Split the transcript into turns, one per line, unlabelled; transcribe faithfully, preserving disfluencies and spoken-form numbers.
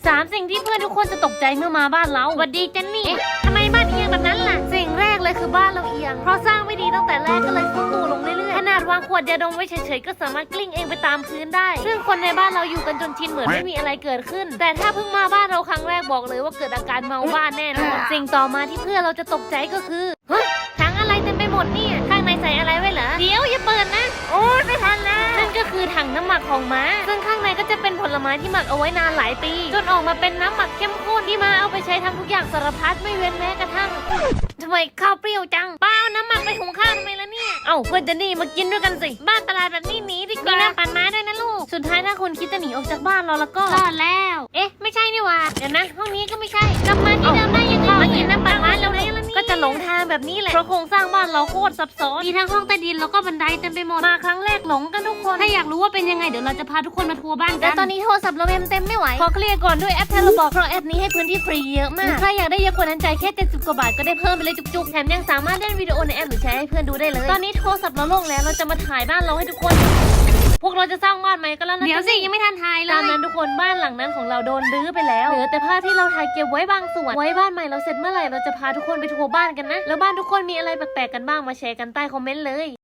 สามสิ่งที่เพื่อนทุกคนจะตกใจเมื่อมาบ้านเราสวัสดีเจนนี่ทำไมบ้านเอียงแบบนั้นล่ะสิ่งแรกเลยคือบ้านเราเอียงเพราะสร้างไม่ดีตั้งแต่แรกก็เลยซุดตัวลงเรื่อยๆขนาดวางขวดยาดมไว้เฉยๆก็สามารถกลิ้งเองไปตามพื้นได้ซึ่งคนในบ้านเราอยู่กันจนชินเหมือนไม่มีอะไรเกิดขึ้นแต่ถ้าเพิ่งมาบ้านเราครั้งแรกบอกเลยว่าเกิดอาการเมาบ้านแน่นอนสิ่งต่อมาที่เพื่อนเราจะตกใจก็คือฮะถังอะไรเต็มไปหมดเนี่ยข้างในใส่อะไรไว้เหรอเดี๋ยวอย่าเปิดนะโอ้ยไม่ทันแล้วนั่นก็คือถังน้ำหมักของม้าซึ่งข้างในก็จะเป็นผลไม้ที่หมักเอาไว้นานหลายปีจนออกมาเป็นน้ำหมักเข้มข้นที่ม้าเอาไปใช้ทำทุกอย่างสารพัดไม่เว้นแม้กระทั่งทำไมข้าวเปรี้ยวจังป้าเอาน้ำหมักไปหุงข้าวทำไมล่ะเนี่ยเอ้าเพื่อนจะนี่มากินด้วยกันสิบ้านตลาดแบบนี้หนีดีกว่ามีน้ำปั่นม้าด้วยนะลูกสุดท้ายถ้าคุณคิดจะหนีออกจากบ้านเราแล้วก็รอดแล้วเอ๊ะไม่ใช่นี่หว่าเดี๋ยวนะห้องนี้ก็ไม่ใช่กลับมาที่เดิมได้ยังไงมากินน้ำปั่นม้าเราได้แล้วนี่ก็จะหลงทางแบบนี้แหละเพราะโครงสร้างบ้านเราโคตรซับซ้อนมีทั้งห้องใต้ดินแล้วก็บันไดเต็มไปหมดมาครั้งแรกหลงกันทุกคนถ้าอยากรู้ว่าเป็นยังไงเดี๋ยวเราจะพาทุกคนมาทัวร์บ้านกันแต่ตอนนี้โทรศัพท์เราเต็มเต็มไม่ไหวขอเคลียร์ก่อนด้วยแอปเทเลบอกเพราะแอปนี้ให้พื้นที่ฟรีเยอะมากใครอยากได้เยอะกว่านั้นใจแค่เจ็ดสิบกว่าบาทก็ได้เพิ่มไปเลยจุกๆแถมยังสามารถเล่นวิดีโอในแอปหรือแชร์ให้เพื่อนดูได้เลยตอนนี้โทรศัพท์เราโล่งแล้วเราจะมาถ่ายบ้านเราให้ทุกคนพวกเราจะสร้างบ้านใหม่ก็แล้วนะเดี๋ยวสิยังไม่ทันถ่ายเลยตอนนั้นทุกคนบ้านหลังนั้นของเราโดนรื้อไปแล้วเหลือแต่ภาพที่เราถ่ายเก็บไว้บางส่วนไว้บ้านใหม่เราเสร็จเมื่อไหร่เราจะพาทุกคนไปทัวร์บ้านกันนะแล้วบ้านทุกคนมีอะไรแปลกๆกันบ้างมาแชร์กันใต้คอมเมนต์เลย